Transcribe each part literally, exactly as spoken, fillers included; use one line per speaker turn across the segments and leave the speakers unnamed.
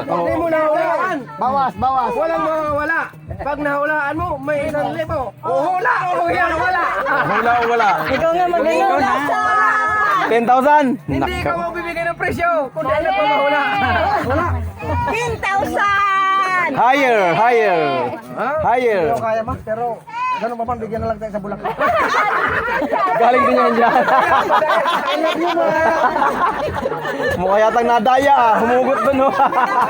Hindi mo nahulaan.
Bawas, bawas.
Walang mawawala. Pag nahulaan mo, may isang libo. Uhula o yan, wala.
Wala o wala.
Ikaw nga magaling.
ten thousand.
Hindi ka magbibigay ng presyo. Kung di alam pa mahula. Wala.
ten thousand!
Higher, higher. Higher.
Pero kaya ma, pero ganun pa man, bigyan na lang tayo sa bulak.
Galing din yan dyan. Mukha yatang nadaya ah. Humugot dun oh.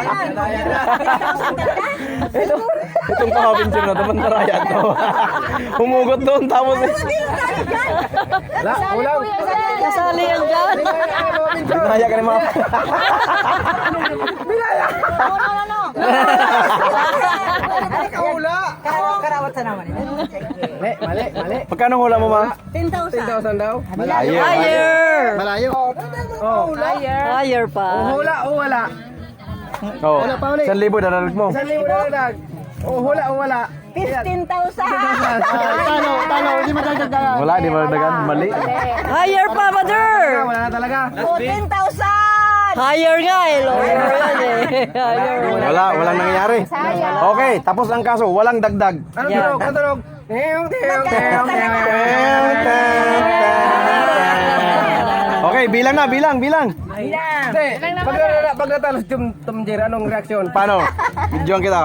Ito, itong kahapinsin na naman naraya to. Humugot doon tapos eh.
Wala, wala.
Kasali yan dyan.
Binaya ka ni mga.
No, no, no, no.
Kahula.
Karawat sa naman.
Mali, mali, mali.
Magkano hula mo ma?
ten
ten
thousand.
thousand daw.
Higher.
Higher.
Malayo.
Oh.
Higher pa.
Uhula o wala.
Oh, isang libo daralag mo.
Isang libo na lang. Uhula o wala.
fifteen thousand.
Talo, talo, hindi madagdagan.
Wala, di ba dagan? Mali.
Higher pa, mother.
Wala na talaga.
fourteen thousand. Higher nga eh. Lower yan eh. Higher.
Wala, walang nangyayari. Okay, tapos ang kaso, walang dagdag.
Ano
Yan.
tunog? Ano tunog? Teong, teong, teong, teong.
Okay, bilang na, bilang, bilang.
Hindi, pag natalo- pag natalo si Tum Tumjir, anong reaksyon?
Paano? Videoan kita.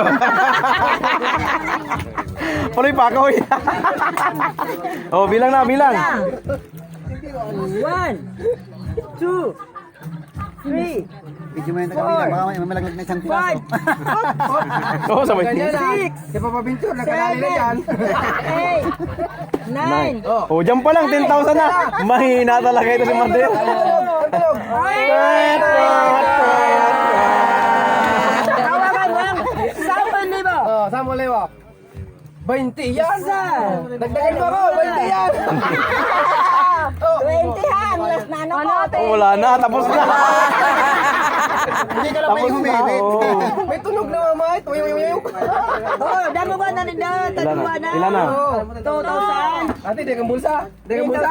Paloy pa ako. Oh, bilang na, bilang.
One, two, three,
Medyo may nakabilang, baka may malaglag na isang
five,
piraso.
Oh, sabay.
Ganyan na. Si Papa Pintur, nakalali na dyan.
eight, nine,
Oh, dyan pa lang, ten thousand na. Mahina talaga ito si Mander.
Tunog.
tawagan mo lang. Sampan libo.
Oh, saan mo lewa? twenty yan. Dagdagan mo ako, twenty yan.
twenty han. Last na ano ko.
Oh, wala na, tapos na.
Hindi ka lang may
Tapos na.
humimit.
Oh.
May tunog na mamay. Tuyong yung yung.
Oh, damo ba na nila?
Ilan na?
Tadua na.
Ilan na?
two thousand.
Ate, di kang bulsa. Di kang bulsa.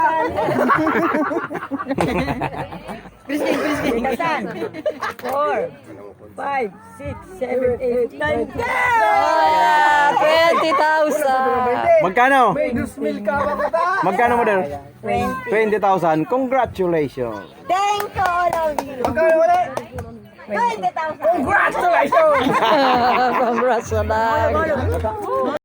Kristin, Kristin. Kasan? Four, five, six, seven, eight, nine, ten! twenty thousand.
Magkano?
May dos mil ka ba kata?
Magkano mo din?
twenty.
twenty thousand. Congratulations.
Thank you all of you.
Magkano wala?
twenty thousand.
Congratulations!
Congrats na lang.